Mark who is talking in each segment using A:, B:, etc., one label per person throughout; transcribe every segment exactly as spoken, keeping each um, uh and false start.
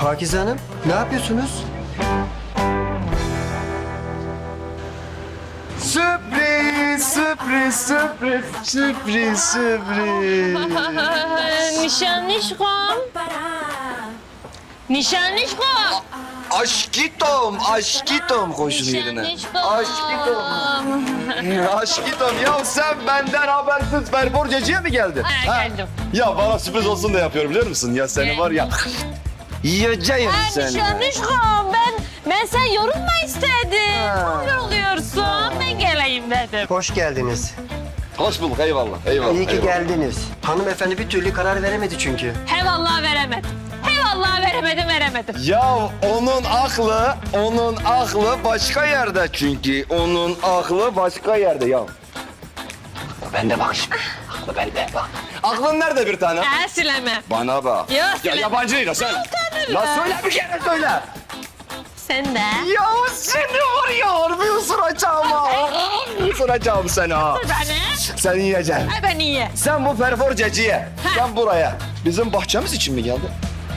A: Pakize Hanım, ne yapıyorsunuz?
B: Sürpriz, sürpriz, sürpriz, sürpriz, sürpriz.
C: Nişanlışkom. Nişanlışkom.
B: Aşkitom, aşkitom koşun yerine. Aşkitom. Aşkitom, ya sen benden habersiz Ferforcacı'ya mı geldin?
C: Ha, geldim.
B: Ya bana sürpriz olsun da yapıyorum biliyor musun? Ya seni var ya... Yiyeceğim
C: Ha,
B: seni.
C: nişanlışkom. Ben, ben sen yorulma istedim.
A: Ha.
C: Ne oluyorsun? Ben geleyim dedim.
A: Hoş geldiniz.
B: Hoş bulduk, eyvallah, eyvallah.
A: İyi ki
B: eyvallah.
A: geldiniz. Hanımefendi bir türlü karar veremedi çünkü.
C: He vallahi veremedim. He vallahi veremedim, veremedim.
B: Ya onun aklı, onun aklı başka yerde çünkü. Onun aklı başka yerde ya. Aklı bende bak şimdi. Aklı bende bak. Aklın nerede bir tane?
C: Ha, sileme.
B: Bana bak.
C: Ya,
B: Ya
C: söyle.
B: yabancı değil o sen.
C: Utanırım.
B: La söyle bir kere söyle.
C: Sen de.
B: Ya seni var ya harbi ısıracağım ha. Isıracağım seni ha.
C: Beni.
B: Sen yiyeceksin.
C: Ay ben iyi.
B: Sen bu perforcacıya,
C: Ha.
B: sen buraya. Bizim bahçemiz için mi geldin?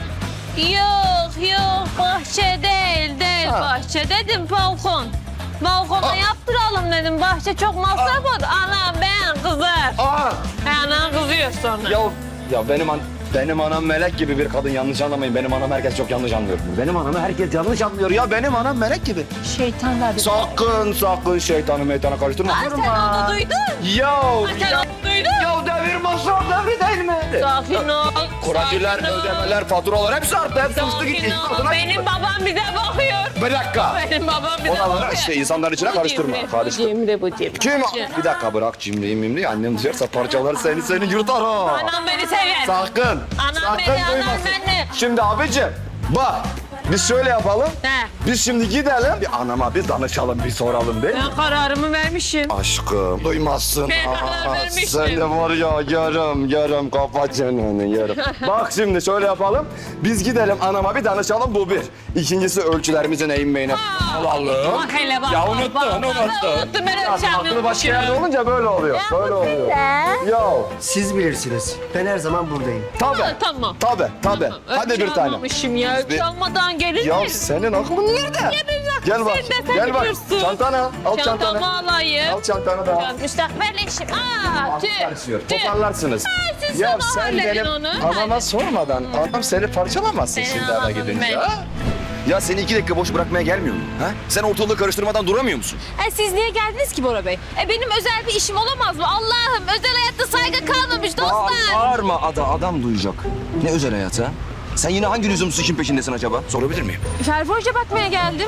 C: Yok yok bahçe değil değil
B: Ha.
C: bahçe dedim balkon. Balkona
B: Aa.
C: yaptıralım dedim bahçe çok masraf oldu. Anam ben kızar.
B: Aa!
C: Anam kızıyor sonra.
B: Ya, ya benim an, benim anam melek gibi bir kadın, yanlış anlamayın. Benim anam herkes çok yanlış anlıyor. Benim anamı herkes yanlış anlıyor ya. Benim anam melek gibi.
C: Şeytanlar.
B: Sakın sakın şeytanı meytana karıştırma.
C: Ay, sen onu duydun.
B: Ya,
C: Ay, sen
B: ya,
C: onu duydun.
B: ya devir masraf devri değil mi?
C: Sakin ol.
B: Kuracılar,
C: sakin ol.
B: ödemeler, faturalar hepsi arttı. Hepsi uçtu gitti.
C: Sakin ol.
B: Kadına-
C: Benim babam bize bakıyor.
B: Bir dakika.
C: Benim babam bize
B: Oraları
C: bakıyor.
B: işte insanların içine
C: Bu
B: karıştırma.
C: cimri, bu
B: Karıştır.
C: cimri, bu cimri.
B: Kim? Bir dakika bırak cimriyi mimriyi. Annem duyarsa parçalar seni seni yırtar ha.
C: Anam beni sever.
B: Sakın.
C: Anam
B: sakın
C: beni, anam
B: duymasın.
C: beni.
B: Şimdi abicim bak biz şöyle yapalım.
C: He.
B: Biz şimdi gidelim. Bir anama bir danışalım bir soralım değil mi?
C: Ben kararımı vermişim.
B: Aşkım duymazsın.
C: Ben
B: Aa,
C: karar vermiştim.
B: sen de var ya yarım yarım kafa çeneni yarım. Bak şimdi şöyle yapalım. Biz gidelim anama bir danışalım bu bir. İkincisi ölçülerimizin eğinmeyine alalım.
C: Bak hele bak.
B: Ya
C: bak,
B: unuttun
C: bak,
B: unuttun.
C: bak, Unuttum ben
B: Ya,
C: ölçemi
B: aklı başka yerde
C: unutmuşum.
B: olunca böyle oluyor. Böyle oluyor. Ya
A: Siz bilirsiniz. Ben her zaman buradayım.
B: tabii.
C: Ha, tamam.
B: Tabii tabii. Hadi bir tane.
C: Almamışım ya.
B: Biz bir-
C: Ölçü almadan gelir
B: Ya
C: mi?
B: senin aklın nerede? Gel bak.
C: Sen de sen
B: Gel bak.
C: biliyorsun.
B: Çantanı al. Al çantanı.
C: Çantamı alayım.
B: Al çantanı da. al.
C: Müstakbel eşim. Aa, tüh.
B: Karışıyor.
C: Tüh.
B: Toparlarsınız.
C: siz
B: Ya
C: sonra
B: sen
C: halledin
B: benim
C: onu.
B: anama sormadan adam seni parçalamazsın
C: Seni
B: şimdi eve
C: anladım
B: gidince.
C: ben.
B: ha? Ya seni iki dakika boş bırakmaya gelmiyor mu? Ha? Sen ortalığı karıştırmadan duramıyor musun?
C: E, siz niye geldiniz ki Bora Bey? E, benim özel bir işim olamaz mı? Allah'ım özel hayatta saygı kalmamış dostlar.
B: Bağırma ada adam duyacak. Ne özel hayatı ha? Sen yine hangi lüzumsuz işin peşindesin acaba? Sorabilir miyim?
C: Ferforca bakmaya geldim.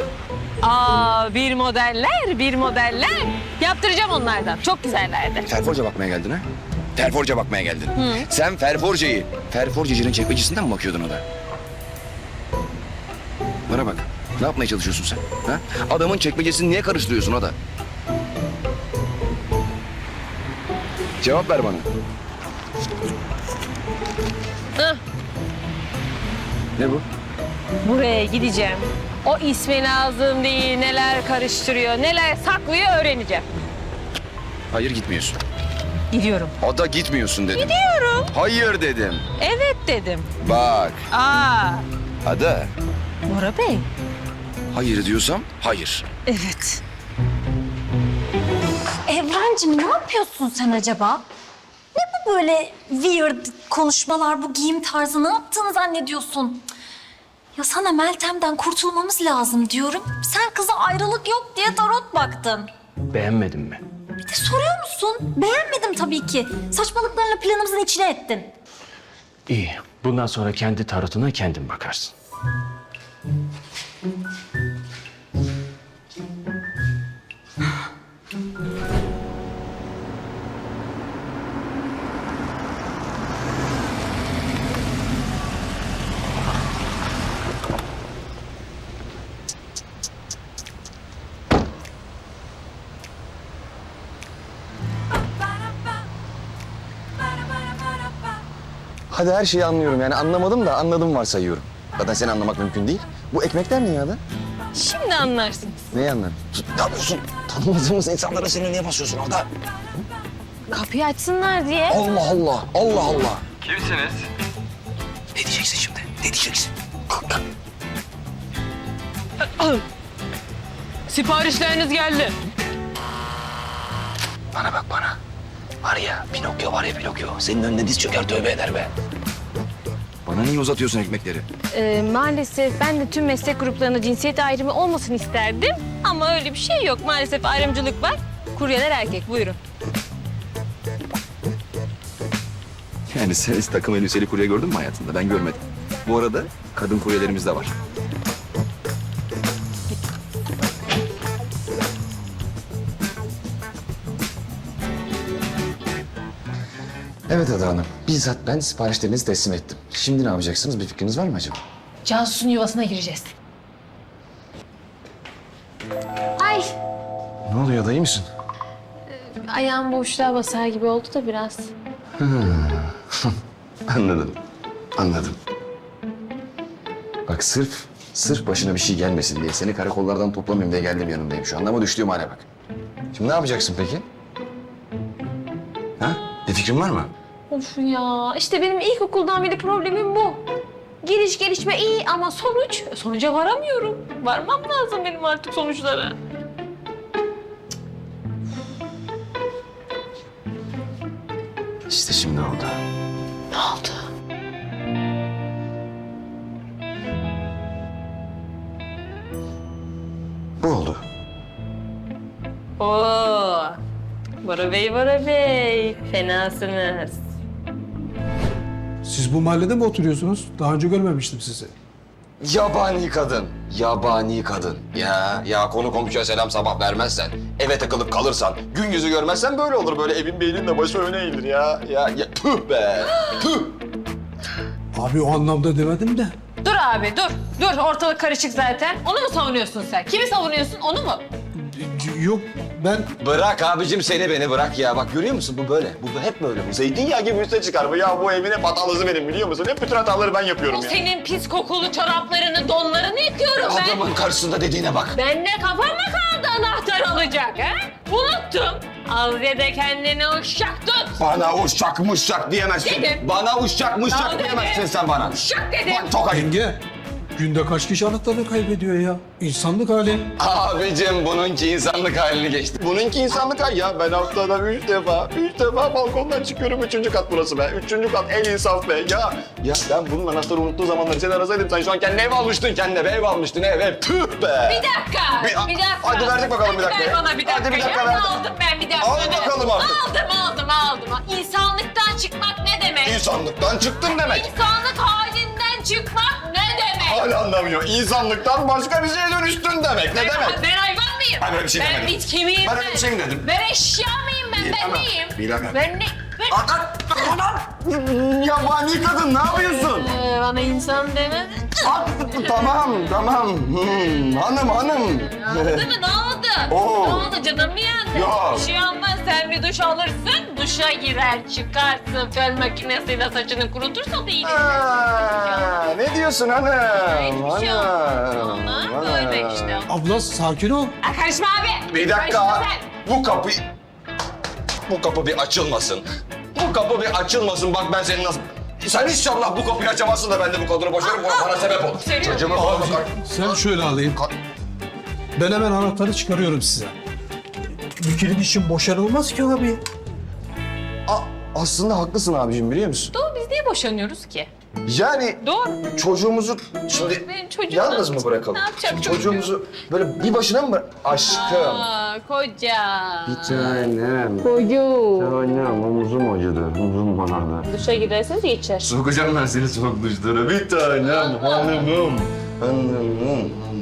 C: Aa, bir modeller, bir modeller. Yaptıracağım onlardan. Çok güzellerdi.
B: Ferforca bakmaya geldin ha? Ferforca bakmaya geldin. Sen Ferforca'yı, Ferforcacının çekmecesinden mi bakıyordun o da? Bana bak. Ne yapmaya çalışıyorsun sen? Ha? Adamın çekmecesini niye karıştırıyorsun o da? Cevap ver bana.
C: Hah,
B: Ne bu?
C: buraya gideceğim. O ismi lazım değil, neler karıştırıyor, neler saklıyor öğreneceğim.
B: Hayır gitmiyorsun.
C: Gidiyorum.
B: Ada gitmiyorsun dedim.
C: Gidiyorum.
B: Hayır dedim.
C: Evet dedim.
B: Bak.
C: Aa,
B: Ada.
C: Bora Bey.
B: Hayır diyorsam hayır.
C: Evet.
D: Evrencim ne yapıyorsun sen acaba? Ne bu böyle weird konuşmalar, bu giyim tarzı? Ne yaptığını zannediyorsun? Cık. Ya sana Meltem'den kurtulmamız lazım diyorum. Sen kıza ayrılık yok diye tarot baktın.
E: Beğenmedin mi?
D: Bir de soruyor musun? Beğenmedim tabii ki. Saçmalıklarla planımızın içine ettin.
E: İyi. Bundan sonra kendi tarotuna kendin bakarsın.
B: Hadi her şeyi anlıyorum yani anlamadım da anladım varsayıyorum. Zaten seni anlamak mümkün değil. Bu ekmekler ne ya da?
C: Şimdi anlarsınız.
B: Neyi anladın? Ne yapıyorsun? Tanımadığımız insanlara seni niye basıyorsun orada?
C: Kapıyı açsınlar diye.
B: Allah Allah, Allah Allah.
F: Kimsiniz?
B: Ne diyeceksin şimdi? Ne diyeceksin? Kalk kalk.
C: Siparişleriniz geldi.
B: Bana bak bana. Var ya Pinokyo var ya Pinokyo. Senin önüne diz çöker tövbe eder be. Bana niye uzatıyorsun ekmekleri?
C: Ee, maalesef ben de tüm meslek gruplarında cinsiyet ayrımı olmasın isterdim. Ama öyle bir şey yok. Maalesef ayrımcılık var. Kuryeler erkek. Buyurun.
B: Yani sen hiç takım elbiseli kurye gördün mü hayatında? Ben görmedim. Bu arada kadın kuryelerimiz de var.
F: Evet Ada Hanım. Bizzat ben siparişlerinizi teslim ettim. Şimdi ne yapacaksınız? Bir fikriniz var mı acaba?
C: Cansu'nun yuvasına gireceğiz. Ay,
F: Ne oluyor? Dayı mısın?
C: ayağım boşluğa basar gibi oldu da biraz.
F: Anladım. Anladım. Bak sırf, sırf başına bir şey gelmesin diye seni karakollardan toplamayayım diye geldim yanındayım şu anda ama düştüğüm hale bak. Şimdi ne yapacaksın peki? Ha? Bir fikrin var mı?
C: Of ya, işte benim ilkokuldan beri problemim bu. Giriş gelişme iyi ama sonuç, sonuca varamıyorum. Varmam lazım benim artık sonuçlara.
F: İşte şimdi oldu.
C: Ne oldu?
F: Bu oldu.
C: Oo, Bora Bey, Bora Bey, fenasınız.
G: Siz bu mahallede mi oturuyorsunuz? Daha önce görmemiştim sizi.
F: Yabani kadın. Yabani kadın. Ya ya konu komşuya selam sabah vermezsen, eve takılıp kalırsan, gün yüzü görmezsen böyle olur. Böyle evin beynin de başı öne eğilir ya. Ya, ya tüh be. Tüh.
G: Abi o anlamda demedim de.
C: Dur abi, dur. Dur, ortalık karışık zaten. Onu mu savunuyorsun sen? Kimi savunuyorsun, onu mu?
G: Yok ben
F: Bırak abicim seni beni bırak ya. Bak görüyor musun bu böyle. Bu hep böyle. Bu zeytinyağı gibi üste çıkar bu. Ya bu evin hep hatalısı benim biliyor musun? Hep bütün hataları ben yapıyorum
C: O
F: ya.
C: senin pis kokulu çoraplarını, donlarını yıkıyorum ben.
F: Adamın karşısında dediğine bak.
C: Ben de kafama kaldı anahtar alacak ha? Unuttum. Al ya da kendine uşak tut.
F: Bana uşak muşak diyemezsin.
C: Dedim.
F: Bana uşak
C: Al
F: muşak
C: dedim.
F: diyemezsin sen bana.
C: Uşak dedim.
F: Bak tokayım.
G: yenge. Günde kaç kişi anahtarını kaybediyor ya? İnsanlık hali.
F: Abicim bununki insanlık halini geçti. Bununki insanlık hali ya. Ben haftada üç defa, üç defa balkondan çıkıyorum. Üçüncü kat burası be. Üçüncü kat en insaf be. Ya ya ben bunun anahtarı unuttuğu zamanları seni arasaydım. Sen şu an kendine ev almıştın kendine. Ev almıştın ev ev. Tüh be.
C: Bir dakika,
F: Bir-
C: bir, dakika.
F: hadi verdik bakalım bir
C: Hadi
F: dakika
C: ver
F: ya.
C: bana bir dakika.
F: Hadi bir dakika
C: ya.
F: ver.
C: Aldım ben bir dakika.
F: Al bakalım artık.
C: Aldım, aldım, aldım. İnsanlıktan çıkmak ne demek?
F: İnsanlıktan çıktım demek.
C: İnsanlık halinden çıkmak ne demek?
F: Hala anlamıyor. İnsanlıktan başka bir şeye dönüştün demek. Ne
C: Ben,
F: demek?
C: ben hayvan mıyım?
F: Ben öyle bir şey
C: ben
F: demedim.
C: bitki miyim
F: Ben öyle bir şey mi dedim?
C: Ben eşya mıyım ben?
F: Bilemem,
C: Ben neyim?
F: bilemem.
C: Ben ne? Ben...
F: Yabani kadın ne yapıyorsun?
C: Ee, bana insan demedin.
F: Ah, tamam tamam. Hmm, hanım hanım.
C: Değil mi? Ne oldu?
F: Oo.
C: Ne oldu? Canım mı yandı?
F: Yok.
C: Bir şey olmaz. Sen bir duş alırsın. Duşa girer, çıkarsın. Fön makinesiyle saçını kurutursa da iyi.
F: Aa, ne diyorsun hanım?
C: Hiçbir şey olmaz. Ona böyle işte.
G: Abla sakin ol.
C: Aa, karışma abi.
F: Bir dakika.
C: Karışma sen.
F: Bu kapı... Bu kapı bir açılmasın. Bu kapı bir açılmasın. Bak ben seni nasıl... Sen inşallah bu kapıyı açamazsın da ben de bu kadını boşarım. Bu bana sebep olur.
C: Seviyorum.
F: Çocuğumu falan bakar.
G: Sen şöyle alayım. Ben hemen anahtarı çıkarıyorum size. Bir kilit için boşanılmaz ki abi.
F: A- aslında haklısın abicim biliyor musun?
C: Doğru, biz niye boşanıyoruz ki?
F: Yani
C: Doğru.
F: çocuğumuzu şimdi
C: Benim çocuğum
F: yalnız
C: ne
F: mı bırakalım?
C: Ne yapacak
F: Şimdi
C: çocuğum?
F: çocuğumuzu böyle bir başına mı bırak? Aşkım.
C: Aa, koca.
A: Tanem.
C: Koyu.
A: Tanem omuzum acıdı. Omuzum bana.
C: Duşa girerseniz geçer.
F: Sokacağım ben seni soğuk duşlara. Bir tanem hanımım. Hanımım.